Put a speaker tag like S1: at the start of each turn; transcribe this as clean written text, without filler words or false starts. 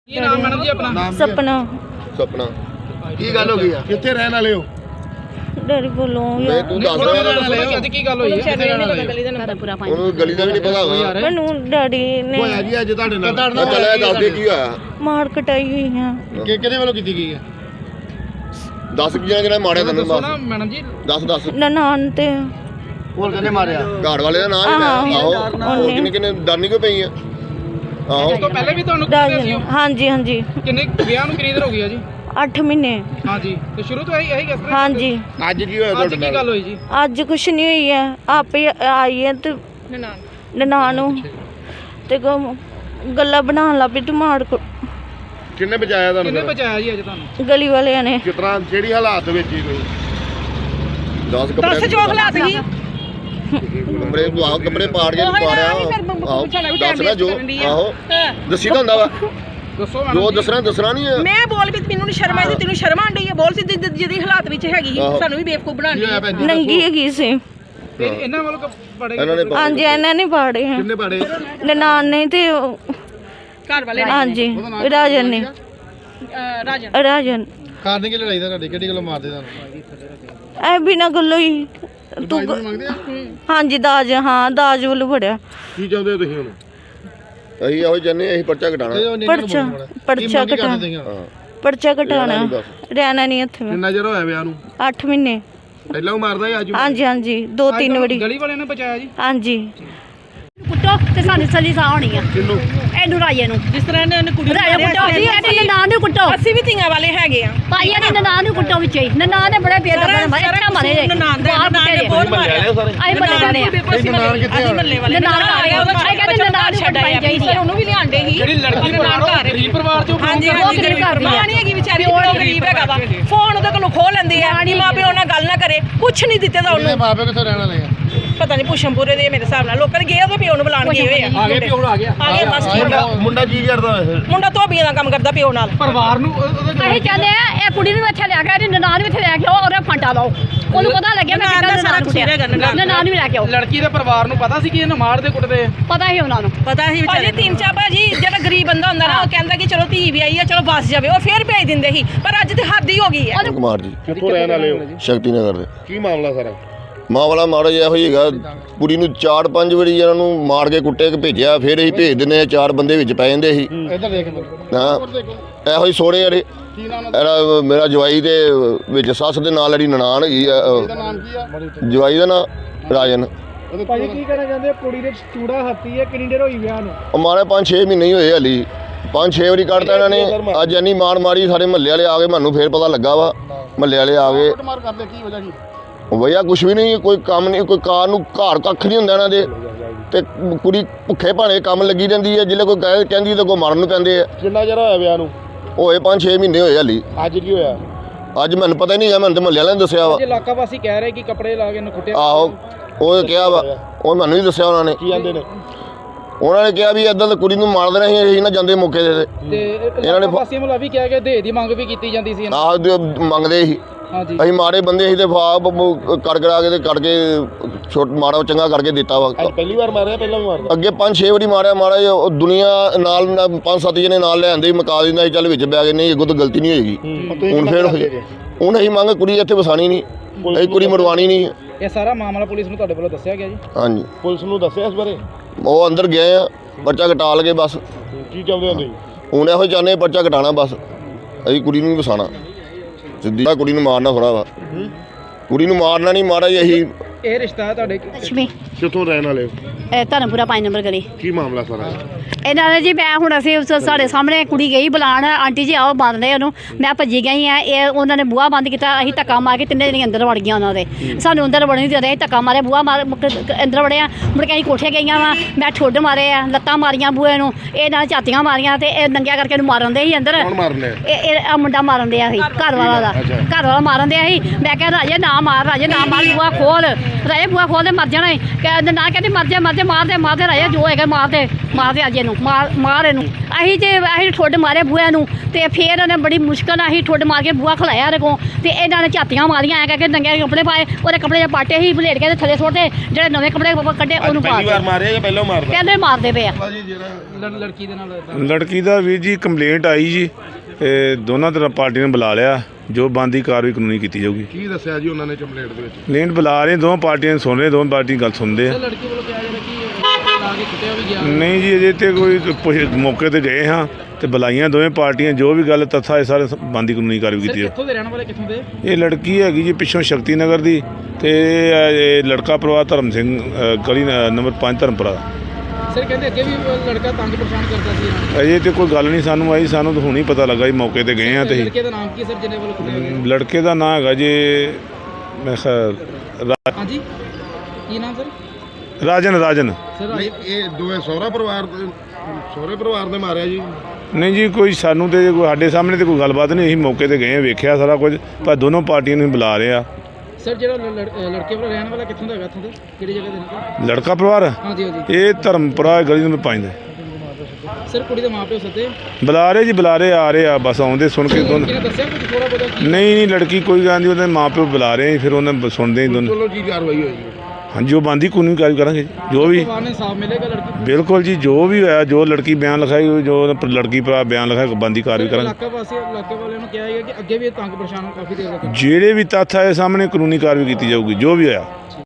S1: ਕੀ ਨਾਮ ਮੈਡਮ ਜੀ ਆਪਣਾ?
S2: सपना
S3: ਸੁਪਨਾ ਕੀ ਗੱਲ ਹੋ ਗਈ ਆ? ਕਿੱਥੇ ਰਹਿਣ ਵਾਲੇ ਹੋ?
S2: डर बोलो
S3: ਮੈਂ ਤੂੰ ਦੱਸ
S1: ਅੱਜ ਕੀ ਗੱਲ ਹੋਈ ਹੈ?
S3: ਉਹਨੂੰ ਗਲੀ ਦਾ ਵੀ ਨਹੀਂ ਪਤਾ ਹੋਗਾ।
S2: मैनू डैडी ने
S3: ਹੋਇਆ ਜੀ ਅੱਜ ਤੁਹਾਡੇ ਨਾਲ? ਚੱਲਿਆ ਦੱਸ ਦੇ ਕੀ ਹੋਇਆ?
S2: मार कटाई हुई है।
S3: ਕਿਹਦੇ ਵੱਲੋਂ ਕੀਤੀ ਗਈ ਹੈ? ਦੱਸ ਕੀ ਜਣਾ ਮਾਰਿਆ ਤੈਨੂੰ?
S1: ਦੱਸੋ ਨਾ ਮੈਡਮ ਜੀ।
S3: ਦੱਸ
S2: ननान ते
S3: ਹੋਰ ਕਿਹਨੇ ਮਾਰਿਆ? ਘਰ ਵਾਲੇ ਦਾ ਨਾਮ ਹੀ ਲੈ। ਆਹੋ ਕਿੰਨੇ ਕਿੰਨੇ ਦਾਨੀ ਕੋ ਪਈ ਆ? ਆਹੋ
S1: ਉਸ ਤੋਂ ਪਹਿਲੇ ਵੀ ਤੁਹਾਨੂੰ ਕਿਹਾ ਸੀ?
S2: हाँ जी हाँ जी
S1: ਕਿੰਨੇ ਵਿਆਹ ਨੂੰ ਕਿੰਨੀ ਦੇਰ ਹੋ ਗਈ ਆ ਜੀ?
S2: 8 महीने।
S1: हाँ जी तो शुरू तो यही किस तरह?
S2: हाँ जी
S3: ਅੱਜ ਕੀ ਹੋਇਆ
S1: आज की गल हुई जी?
S2: ਅੱਜ ਕੁਛ ਨਹੀਂ ਹੋਈ ਹੈ ਆਪੇ ਆਈ ਹੈ ਤੇ ਨਨਾਣ ਨੂੰ ਤੇ ਗੱਲਾਂ ਬਣਾਉਣ ਲੱਗ ਪਈ ਮਾਰ ਕੋ
S3: ਕਿੰਨੇ ਬਚਾਇਆ ਤੁਹਾਨੂੰ?
S1: ਕਿੰਨੇ ਬਚਾਇਆ ਜੀ ਅੱਜ ਤੁਹਾਨੂੰ?
S2: ਗਲੀ ਵਾਲਿਆਂ ਨੇ।
S3: ਕਿਸ ਤਰ੍ਹਾਂ ਜਿਹੜੀ ਹਾਲਾਤ ਵਿੱਚ ਹੀ ਕੋਈ 10 ਕੱਪੜੇ
S4: 10 ਜੋ ਹਾਲਾਤ ਸੀ
S3: ਕੱਪੜੇ ਆਹੋ ਕੱਪੜੇ ਪਾੜ ਕੇ ਪਾੜਿਆ। ਆਹੋ ਦੱਸਣਾ ਜੋ ਆਹੋ ਦੱਸੀ ਤਾਂ ਹੁੰਦਾ ਵਾ
S1: ਦੱਸੋ
S3: ਜੋ
S1: ਮੈਡਮ।
S3: ਦੱਸਣਾ ਨਹੀਂ ਹੈ।
S4: ਮੈਂ ਬੋਲ ਵੀ ਮੈਨੂੰ ਨਹੀਂ ਸ਼ਰਮ ਆਈ ਤੇ ਤੈਨੂੰ ਸ਼ਰਮ ਆਂਦੀ ਹੈ? ਬੋਲ ਸੀ ਜਿਹਦੀ ਹਾਲਾਤ ਵਿੱਚ ਹੈਗੀ ਸੀ ਸਾਨੂੰ ਵੀ ਬੇਵਕੂਫ ਬਣਾਉਣੀ।
S2: ਨੰਗੀ ਹੈਗੀ ਸੀ।
S1: ਤੇ ਇਹਨਾਂ ਵੱਲੋਂ ਪੜੇ
S3: ਇਹਨਾਂ ਨੇ
S2: ਹਾਂਜੀ ਇਹਨਾਂ ਨੇ ਪਾੜੇ ਹੈ।
S3: ਕਿੰਨੇ ਪਾੜੇ?
S2: ਨਨਾਣ ਨੇ ਤੇ
S4: ਘਰ ਵਾਲੇ
S2: ਹਾਂਜੀ ਰਾਜਨ ਨੇ। ਰਾਜਨ
S3: ਕਾਰਨ ਕੀ ਲੜਾਈ ਦਾ ਤੁਹਾਡੇ? ਕਿਹੜੀ ਗੱਲੋਂ ਮਾਰਦੇ ਤੁਹਾਨੂੰ?
S2: ਐ ਬਿਨਾਂ ਗੱਲੋਂ ਹੀ ਤੂੰ ਹਾਂਜੀ ਦਾਜ ਹਾਂ ਦਾਜ ਵੱਲੋਂ ਫੜਿਆ।
S3: ਕੀ ਚਾਹੁੰਦੇ ਹੋ ਤੁਸੀਂ ਹੁਣ? ਅਸੀਂ ਇਹੋ ਜੰਨੇ ਅਸੀਂ ਪਰਚਾ ਘਟਾਣਾ।
S2: ਪਰਚਾ ਘਟਾਣਾ ਰਹਿਣਾ ਨਹੀਂ ਇੱਥੇ।
S3: ਕਿੰਨਾ ਚਿਰ ਹੋਇਆ ਵਿਆਹ ਨੂੰ?
S2: 8 ਮਹੀਨੇ।
S3: ਪਹਿਲਾਂ ਉਹ ਮਾਰਦਾ ਸੀ ਅੱਜ?
S2: ਹਾਂਜੀ ਹਾਂਜੀ 2-3 ਵਾਰੀ।
S1: ਗਲੀ ਵਾਲਿਆਂ ਨੇ ਬਚਾਇਆ ਜੀ?
S2: ਹਾਂਜੀ
S5: ਕੁੱਟੋ ਤੇ ਸਾਨੂੰ ਸਲੀ ਸਾਹ ਹੋਣੀ ਆ
S3: ਕਿੰਨੂੰ?
S5: ਇਹਨੂੰ ਰਾਜੇ ਨੂੰ।
S4: ਜਿਸ ਤਰ੍ਹਾਂ ਇਹਨੇ ਕੁੜੀ
S5: ਰਾਜੇ ਕੁੱਟੋ ਜੀ ਇਹਨੇ ਨਾਂ ਨੂੰ ਕੁੱਟੋ।
S4: ਅਸੀਂ ਵੀ ਧੀਆਂ ਵਾਲੇ ਹੈਗੇ ਆ
S5: ਭਾਈ ਇਹਨੇ ਨਾਂ ਨੂੰ ਕੁੱਟੋ ਵਿੱਚ ਹੀ। ਨਾਂ ਨੇ ਬੜੇ ਬੇਦਰਦ ਮਾਰੇ ਇੱਥੇ ਮਾਰੇ ਨੇ।
S4: ਨਨਾਣ ਦਾ ਬਹੁਤ ਮਾਰਿਆ
S5: ਅਸੀਂ ਬੰਦੇ ਜਾਣੇ ਆ।
S4: ਅਸੀਂ ਮੱਲੇ ਵਾਲੇ
S5: ਨਨਾਣ ਆ ਗਿਆ ਉਹਦਾ ਕਹਿੰਦੇ ਨਨਾਣ ਨੂੰ ਛੱਡਾਈ ਚਾਹੀਦੀ ਆ।
S4: ਉਹਨੂੰ ਵੀ ਲਿਆਂਦੇ ਸੀ
S1: ਜਿਹੜੀ ਲੜਕੀ ਗਰੀਬ ਪਰਿਵਾਰ ਚੋਂ
S4: ਹਾਂਜੀ
S5: ਉਹ ਗਰੀਬ ਘਰ ਦੀ ਆ।
S4: ਮਾਂ ਨਹੀਂ ਹੈਗੀ ਵਿਚਾਰੀ ਉਹ ਗਰੀਬ ਹੈਗਾ ਵਾ। ਫੋਨ ਉਹਦੇ ਕੋਲੋਂ ਖੋਹ ਲੈਂਦੇ ਆ ਨਹੀਂ ਮਾਂ ਪਿਓ ਨਾਲ ਗੱਲ ਨਾ ਕਰੇ ਕੁਛ ਨਹੀਂ ਦਿੱਤੇ ਤਾਂ ਉਹਨੂੰ।
S3: ਮਾਪੇ ਕਿੱਥੋਂ ਰਹਿਣ ਵਾਲੇ ਆ?
S4: ਪਤਾ ਨਹੀਂ ਪੁਸ਼ਮਪੁਰੇ ਦੇ ਮੇਰੇ ਹਿਸਾਬ ਨਾਲ ਲੋਕਾਂ ਨੇ ਗਏ ਉਹਦੇ ਪਿਓ ਨੂੰ ਬੁਲਾਣ ਗਏ ਹੋਏ ਆ।
S1: ਆ ਗਏ ਪਿਓ ਆ ਗਿਆ।
S4: ਆ ਗਿਆ ਬਸ ਠੀਕ ਆ।
S3: ਮੁੰਡਾ ਕੀ ਕਰਦਾ ਵੈਸੇ?
S4: ਮੁੰਡਾ ਧੋਬੀਆਂ ਦਾ ਕੰਮ ਕਰਦਾ ਪਿਓ ਨਾਲ।
S1: ਪਰਿਵਾਰ ਨੂੰ
S5: ਅਸੀਂ ਚਾਹੁੰਦੇ ਆ ਇਹ ਕੁੜੀ ਨੂੰ ਇੱਥੇ ਲੈ ਕੇ ਆਓ, ਨਨਾਣ ਨੂੰ ਇੱਥੇ ਲੈ ਕੇ ਆਓ ਔਰ ਫਾਂਟਾ ਲਾਓ। ਉਹਨੂੰ ਪਤਾ ਲੱਗਿਆ ਮੈਂ ਕਿੱਦਾਂ ਨਨਾਣ ਕੁੱਟਿਆ। ਨਨਾਣ ਨੂੰ ਲੈ ਕੇ ਆਓ।
S1: ਲੜਕੀ ਦੇ ਪਰਿਵਾਰ ਨੂੰ ਪਤਾ ਸੀ ਕਿ ਇਹਨੂੰ ਮਾਰਦੇ ਕੁੱਟਦੇ?
S5: ਪਤਾ ਹੀ ਉਹਨਾਂ ਨੂੰ।
S4: ਪਤਾ ਹੀ ਵਿਚਾਰੇ ਤਿੰਨ ਚਾਰ ਭਾਜੀ ਜਿਹੜਾ ਗਰੀਬ ਬੰਦਾ ਹੁੰਦਾ ਨਾ ਉਹ ਕਹਿੰਦਾ ਕਿ ਚਲੋ ਧੀ ਵੀ ਆਈ ਆ ਚਲੋ ਬਸ ਜਾਵੇ ਉਹ ਫੇਰ ਭੇਜ ਦਿੰਦੇ ਸੀ ਪਰ ਅੱਜ ਤੇ ਹੱਦ ਹੀ ਹੋ ਗਈ ਹੈ।
S3: ਕੁਮਾਰ ਜੀ ਕਿੱਥੋਂ ਰਹਿਣ ਵਾਲੇ ਹੋ? ਸ਼ਕਤੀ ਨਗਰ ਦੇ। ਕੀ ਮਾਮਲਾ ਸਾਰਾ? ਮਾਮਲਾ ਮਾੜਾ ਜਿਹਾ ਹੋਈਗਾ ਕੁੜੀ ਨੂੰ 4-5 ਵਾਰੀ ਇਹਨਾਂ ਨੂੰ ਮਾਰ ਕੇ ਕੁੱਟੇ ਕੇ ਭੇਜਿਆ ਫਿਰ ਅਸੀਂ ਭੇਜ ਦਿੰਦੇ ਆ 4 ਬੰਦੇ ਵਿੱਚ ਪੈ ਜਾਂਦੇ ਸੀ। ਹਾਂ ਇਹੋ ਹੀ ਸੋਹਣੇ ਯਾਰੇ ਇਹਦਾ ਮੇਰਾ ਜਵਾਈ ਦੇ ਵਿੱਚ ਸੱਸ ਦੇ ਨਾਲ ਜਿਹੜੀ ਨਨਾਣ ਹੈਗੀ ਆ ਜਵਾਈ ਦਾ ਨਾਂ ਰਾਜਨ।
S1: ਭਾਜੀ ਕੀ ਕਹਿਣਾ ਚਾਹੁੰਦੇ? ਕੁੜੀ ਦੇ ਚੂੜਾ ਹੱਤੀ ਹੈ ਕਿੰਨੀ ਦੇਰ ਹੋਈ ਵਿਆਹ ਨੂੰ?
S3: ਮਾਰੇ 5-6 ਮਹੀਨੇ ਹੀ ਹੋਏ ਹਲੀ 5-6 ਵਾਰੀ ਕੱਢਤਾ ਇਹਨਾਂ ਨੇ। ਅੱਜ ਇੰਨੀ ਮਾਰ ਮਾਰੀ ਸਾਰੇ ਮਹੱਲੇ ਵਾਲੇ ਆ ਗਏ ਮੈਨੂੰ ਫਿਰ ਪਤਾ ਲੱਗਾ ਵਾ ਮਹੱਲੇ ਵਾਲੇ ਆ ਗਏ। ਵਜ੍ਹਾ ਕੁਛ ਵੀ ਨਹੀਂ ਕੋਈ ਕੰਮ ਨਹੀਂ ਕੋਈ ਕਾਰ ਨੂੰ ਘਰ ਕੱਖ ਨਹੀਂ ਹੁੰਦਾ ਇਹਨਾਂ ਦੇ ਤੇ ਕੁੜੀ ਭੁੱਖੇ ਭਾਣੇ ਕੰਮ ਲੱਗੀ ਰਹਿੰਦੀ ਹੈ ਜਿੱਲੇ ਕੋਈ ਕਹਿੰਦੀ ਤਾਂ ਕੋਈ ਮਰਨ ਨੂੰ ਪੈਂਦੇ ਆ। ਕਿੰਨਾ ਚਿਰ ਹੋਇਆ ਵਿਆਹ ਨੂੰ? ਹੋਏ 5-6 ਮਹੀਨੇ ਹੋਏ ਹਲੀ। ਅੱਜ ਕੀ ਹੋਇਆ? ਅੱਜ ਮੈਨੂੰ ਪਤਾ ਹੀ ਨਹੀਂ ਹੈ ਮੈਨੂੰ ਤਾਂ ਮਹੱਲੇ ਵਾਲਿਆਂ ਨੇ ਦੱਸਿਆ ਵਾ।
S1: ਇਲਾਕਾ ਵਾਸੀ ਕਹਿ ਰਹੇ ਕਿ ਕੱਪੜੇ ਲਾ ਕੇ ਇਹਨੂੰ ਕੁੱਟਿਆ।
S3: ਆਹੋ ਉਹ ਕਿਹਾ ਵਾ ਉਹ ਮੈਨੂੰ ਹੀ ਦੱਸਿਆ ਉਹਨਾਂ ਨੇ। ਕੀ ਕਹਿੰਦੇ ਨੇ? ਉਹਨਾਂ ਨੇ ਕਿਹਾ ਵੀ ਇੱਦਾਂ ਤਾਂ ਕੁੜੀ ਨੂੰ ਮਾਰ ਦੇਣਾ ਸੀ ਅਸੀਂ ਨਾ ਜਾਂਦੇ ਮੌਕੇ ਦੇ
S1: ਤੇ ਇਹਨਾਂ ਨੇ ਵਾਸੀਆਂ ਵੱਲੋਂ ਵੀ ਕਿਹਾ ਕਿ ਦੇ ਦੀ ਮੰਗ ਵੀ ਕੀਤੀ ਜਾਂਦੀ ਸੀ।
S3: ਆਹ ਮੰਗਦੇ ਸੀ
S1: ਹਾਂਜੀ
S3: ਅਸੀਂ ਮਾਰੇ ਬੰਦੇ ਸੀ ਤੇ ਫਾਪ ਕਰਾ ਕੇ ਤੇ ਕਰਕੇ ਛੋਟ ਮਾਰਾ ਚੰਗਾ ਕਰਕੇ ਦਿੱਤਾ ਵਾ। ਪਹਿਲੀ ਵਾਰ ਮਾਰਿਆ? ਪਹਿਲਾਂ ਵੀ ਮਾਰਦਾ ਅੱਗੇ 5-6 ਵਾਰੀ ਮਾਰਿਆ ਮਾਰਾ ਉਹ ਦੁਨੀਆ ਨਾਲ 5-7 ਜਣੇ ਨਾਲ ਲੈ ਆਂਦੇ ਮਕਾ ਦਿੰਦਾ ਸੀ ਚੱਲ ਵਿੱਚ ਬੈ ਗਏ ਨਹੀਂ ਅੱਗੋਂ ਤਾਂ ਗਲਤੀ ਨਹੀਂ ਹੋਏਗੀ। ਹੁਣ ਫੇਰ ਹੋਏ ਹੁਣ ਅਸੀਂ ਮੰਗ ਕੁੜੀ ਇੱਥੇ ਵਸਾਣੀ ਨਹੀਂ ਅਸੀਂ ਕੁੜੀ ਮਰਵਾਣੀ ਨਹੀਂ।
S1: ਇਹ ਸਾਰਾ ਮਾਮਲਾ ਪੁਲਿਸ ਨੂੰ ਤੁਹਾਡੇ ਵੱਲੋਂ ਦੱਸਿਆ ਗਿਆ ਜੀ?
S3: ਹਾਂਜੀ ਪੁਲਿਸ ਨੂੰ ਦੱਸਿਆ ਇਸ ਬਾਰੇ? ਉਹ ਅੰਦਰ ਗਏ ਆ ਪਰਚਾ ਘਟਾ ਲਗੇ ਬਸ। ਕੀ ਚਾਹੁੰਦੇ ਹੋ ਤੁਸੀਂ ਹੁਣ? ਇਹੋ ਚਾਹੁੰਦੇ ਪਰਚਾ ਘਟਾਣਾ ਬਸ ਅਸੀਂ ਕੁੜੀ ਨੂੰ ਵੀ ਵਸਾਣਾ। ਸਿੱਧੀ ਕੁੜੀ ਨੂੰ ਮਾਰਨਾ ਥੋੜਾ ਵਾ ਕੁੜੀ ਨੂੰ ਮਾਰਨਾ ਨਹੀਂ ਮਾਰਾ ਜੀ ਅਸੀਂ।
S1: ਇਹ ਰਿਸ਼ਤਾ ਹੈ ਤੁਹਾਡੇ
S5: ਲక్ష్ਮੀ
S3: ਕਿੱਥੋਂ ਰਹਿਣ ਵਾਲੇ ਹੋ?
S5: ਇਹ ਧਰਮਪੁਰਾ 5 ਨੰਬਰ ਗਲੀ।
S3: ਕੀ ਮਾਮਲਾ ਸਾਰਾ?
S5: ਇਹਨਾਂ ਨੇ ਜੀ ਮੈਂ ਹੁਣ ਅਸੀਂ ਸਾਡੇ ਸਾਹਮਣੇ ਕੁੜੀ ਗਈ ਬੁਲਾਉਣ ਆਂਟੀ ਜੀ ਆਓ ਬੰਨਦੇ ਉਹਨੂੰ ਮੈਂ ਭੱਜੀ ਗਈ ਆ। ਇਹ ਉਹਨਾਂ ਨੇ ਬੂਹਾ ਬੰਦ ਕੀਤਾ ਅਸੀਂ ਧੱਕਾ ਮਾਰ ਕੇ ਤਿੰਨੇ ਜਣੇ ਅੰਦਰ ਵੜ ਗਈਆਂ ਉਹਨਾਂ ਦੇ। ਸਾਨੂੰ ਅੰਦਰ ਵੜਨ ਨਹੀਂ ਦੇ ਰਹੇ ਧੱਕਾ ਮਾਰੇ ਬੂਹਾ ਮਾਰ ਅੰਦਰ ਵੜਿਆ ਮੁੜ ਕੇ ਅਸੀਂ ਕੋਠੇ ਗਈਆਂ ਵਾ ਮੈਂ ਠੁੱਡ ਮਾਰੇ ਆ ਲੱਤਾਂ ਮਾਰੀਆਂ ਬੂਹੇ ਨੂੰ ਇਹ ਨਾਲ ਝਾਤੀਆਂ ਮਾਰੀਆਂ ਤੇ ਇਹ ਨੰਗਿਆ ਕਰਕੇ ਇਹਨੂੰ ਮਾਰਨ ਦੇ ਸੀ ਅੰਦਰ।
S3: ਕੌਣ ਮਾਰਨੇ?
S5: ਇਹ ਮੁੰਡਾ ਮਾਰਨ ਦਿਆ ਸੀ ਘਰ ਵਾਲਾ ਦਾ ਘਰ ਵਾਲਾ ਮਾਰਨ ਦਿਆ ਸੀ। ਮੈਂ ਕਿਹਾ ਰਾਜੇ ਨਾ ਮਾਰ ਰਾਜੇ ਨਾ ਮਾਰ ਬੂਹਾ ਖੋਲ ਰਾਜੇ ਬੂਆ ਖੋਲਦੇ ਮਰ ਜਾਣਾ ਕਹਿੰਦੇ ਨਾ ਕਹਿੰਦੇ ਮਰ ਜਾ ਮਾਰਦੇ ਰਾਜੇ ਜੋ ਹੈਗਾ ਮਾਰਦੇ ਅੱਜ ਇਹਨੂੰ ਮਾਰ ਇਹਨੂੰ ਅਸੀਂ ਠੁੱਡ ਮਾਰੇ ਬੂਆ ਨੂੰ ਤੇ ਫਿਰ ਉਹਨੇ ਬੜੀ ਮੁਸ਼ਕਲ ਨਾਲ ਅਸੀਂ ਠੁੱਡ ਮਾਰ ਕੇ ਬੂਆ ਖਲਾਇਆ ਇਹਦੇ ਕੋਲ ਤੇ ਇਹਨਾਂ ਨੇ ਝਾਤੀਆਂ ਮਾਰੀਆਂ ਐ ਕਰਕੇ ਨੰਗੇ ਕੱਪੜੇ ਪਾਏ ਉਹਦੇ ਕੱਪੜੇ ਪਾਟੇ ਹੀ ਬਲੇਡ ਕੇ ਥੱਲੇ ਸੁੱਟਦੇ ਜਿਹੜੇ ਨਵੇਂ ਕੱਪੜੇ ਕੱਢੇ ਉਹਨੂੰ ਪਾ ਕੇ
S6: ਮਾਰਿਆ ਜਾਂ ਪਹਿਲਾਂ ਮਾਰਦਾ
S5: ਪਹਿਲੇ ਮਾਰਦੇ ਪਏ ਆ
S1: ਲੜਕੀ ਦੇ ਨਾਲ
S7: ਲੜਕੀ ਦਾ ਵੀਰ ਜੀ ਕੰਪਲੇਂਟ ਆਈ ਜੀ ਇਹ ਦੋਨਾਂ ਤਰ੍ਹਾਂ ਪਾਰਟੀ ਨੇ ਬੁਲਾ ਲਿਆ ਜੋ ਬਣਦੀ ਕਾਰਵਾਈ ਕਾਨੂੰਨੀ ਕੀਤੀ ਜਾਊਗੀ।
S6: ਕੀ ਦੱਸਿਆ ਜੀ ਉਹਨਾਂ ਨੇ ਕੰਪਲੇਂਟ ਦੇ ਵਿੱਚ?
S7: ਕੰਪਲੇਂਟ ਬੁਲਾ ਰਹੇ ਦੋਵਾਂ ਪਾਰਟੀਆਂ ਨੂੰ ਸੁਣ ਰਹੇ ਦੋਵਾਂ ਪਾਰਟੀ ਗੱਲ ਸੁਣਦੇ ਆ।
S1: ਲੜਕੀ ਵੱਲੋਂ ਕਿਹਾ ਜਾ ਰਿਹਾ ਕਿ ਲਾ ਕੇ ਕੁੱਟਿਆ ਵੀ ਗਿਆ।
S7: ਨਹੀਂ ਜੀ ਅਜੇ ਤੇ ਕੋਈ ਮੌਕੇ ਤੇ ਗਏ ਹਾਂ ਤੇ ਬੁਲਾਈਆਂ ਦੋਵੇਂ ਪਾਰਟੀਆਂ ਜੋ ਵੀ ਗੱਲ ਤੱਥਾ ਇਹ ਸਾਰੇ ਬਣਦੀ ਕਾਨੂੰਨੀ ਕਾਰਵਾਈ ਕੀਤੀ
S1: ਕਿੱਥੋਂ ਦੇ ਰਹਿਣ ਵਾਲੇ ਕਿੱਥੋਂ ਦੇ?
S7: ਇਹ ਲੜਕੀ ਹੈਗੀ ਜੀ ਪਿੱਛੋਂ ਸ਼ਕਤੀ ਨਗਰ ਦੀ ਤੇ ਇਹ ਲੜਕਾ ਪਰਿਵਾਰ ਧਰਮ ਸਿੰਘ ਗਲੀ ਨੰਬਰ 5 ਧਰਮਪੁਰਾ।
S1: ਸਰ ਕਹਿੰਦੇ ਅੱਗੇ ਵੀ ਲੜਕਾ ਤੰਗ ਪਰੇਸ਼ਾਨ ਕਰਦਾ ਸੀ ਇਹਨਾਂ ਨੂੰ।
S7: ਅਜੇ ਤੇ ਕੋਈ ਗੱਲ ਨਹੀਂ ਸਾਨੂੰ ਆਈ, ਸਾਨੂੰ ਤਾਂ ਹੁਣੀ ਪਤਾ ਲੱਗਾ ਜੀ ਮੌਕੇ ਤੇ ਗਏ ਹਾਂ ਤੇ
S1: ਲੜਕੇ ਦਾ ਨਾਮ ਕੀ ਸਰ ਜਿਹਨੇ ਵੱਲੋਂ ਕੁੱਟਿਆ ਗਿਆ?
S7: ਲੜਕੇ ਦਾ ਨਾਂ ਹੈਗਾ ਜੀ ਮੈਂ
S1: ਹਾਂਜੀ ਕੀ ਨਾਮ ਸਰ?
S7: ਰਾਜਨ।
S1: ਸਰ
S6: ਨਹੀਂ ਇਹ ਦੋਵੇਂ ਸਹੁਰੇ ਪਰਿਵਾਰ ਦੇ ਮਾਰਿਆ ਜੀ?
S7: ਨਹੀਂ ਜੀ ਕੋਈ ਸਾਨੂੰ ਤੇ ਕੋਈ ਸਾਡੇ ਸਾਹਮਣੇ ਤੇ ਕੋਈ ਗੱਲਬਾਤ ਨਹੀਂ, ਅਸੀਂ ਮੌਕੇ ਤੇ ਗਏ ਵੇਖਿਆ ਸਾਰਾ ਕੁਝ ਪਰ ਦੋਨੋਂ ਪਾਰਟੀਆਂ ਨੂੰ ਬੁਲਾ ਰਹੇ ਆ।
S1: ਸਰ ਜਿਹੜਾ ਲੜਕੇ ਵੱਲੋਂ ਰਹਿਣ ਵਾਲਾ ਕਿੱਥੋਂ ਦਾ ਹੈਗਾ ਇੱਥੋਂ ਦੇ ਕਿਹੜੀ ਜਗ੍ਹਾ ਦੇ ਨੇ?
S7: ਲੜਕਾ ਪਰਿਵਾਰ
S1: ਹਾਂਜੀ
S7: ਇਹ ਧਰਮਪੁਰਾ ਗਲੀ ਨੰਬਰ 5 ਦਾ।
S1: ਸਰ ਕੁੜੀ ਦੇ ਮਾਪਿਓ ਸੱਦੇ
S7: ਬੁਲਾ ਰਹੇ ਆ ਰਹੇ ਆ ਬਸ ਆਉਂਦੇ ਸੁਣ ਕੇ ਦੋਨੋਂ।
S1: ਕਿਹਨੇ ਦੱਸਿਆ ਕੁਝ ਥੋੜਾ ਬਹੁਤਾ?
S7: ਨਹੀਂ ਲੜਕੀ ਕੋਈ ਗੱਲ ਨਹੀਂ ਉਹਦੇ ਮਾਪਿਓ ਬੁਲਾ ਰਹੇ ਫਿਰ ਉਹਨਾਂ ਸੁਣਦੇ ਹੀ ਦੋਨੋਂ।
S6: ਚਲੋ ਕੀ ਕਾਰਵਾਈ ਹੋਈ?
S7: ਹਾਂਜੀ ਉਹ ਬਣਦੀ ਕਾਨੂੰਨੀ ਕਾਰਵਾਈ ਕਰਾਂਗੇ ਜੋ ਵੀ।
S1: ਪਰਿਵਾਰ ਨੇ ਸਾਫ਼ ਮਿਲੇਗਾ ਲੜਕੀ?
S7: ਬਿਲਕੁਲ ਜੀ ਜੋ ਵੀ ਹੋਇਆ ਜੋ ਲੜਕੀ ਬਿਆਨ ਲਿਖਾਈ ਜੋ ਲੜਕੀ ਭਰਾ ਬਿਆਨ ਲਿਖਾਇਆ ਬਣਦੀ ਕਾਰਵਾਈ ਕਰਾਂਗੇ।
S1: ਇਲਾਕੇ ਵਾਲਿਆਂ ਨੂੰ ਕਿਹਾ ਹੈਗਾ ਕਿ ਅੱਗੇ ਵੀ ਇਹ ਤੰਗ ਪਰੇਸ਼ਾਨ ਕਾਫੀ ਦੇਰ ਤੱਕ।
S7: ਜਿਹੜੇ ਵੀ ਤੱਥ ਆਏ ਸਾਹਮਣੇ ਕਾਨੂੰਨੀ ਕਾਰਵਾਈ ਕੀਤੀ ਜਾਊਗੀ ਜੋ ਵੀ ਹੋਇਆ।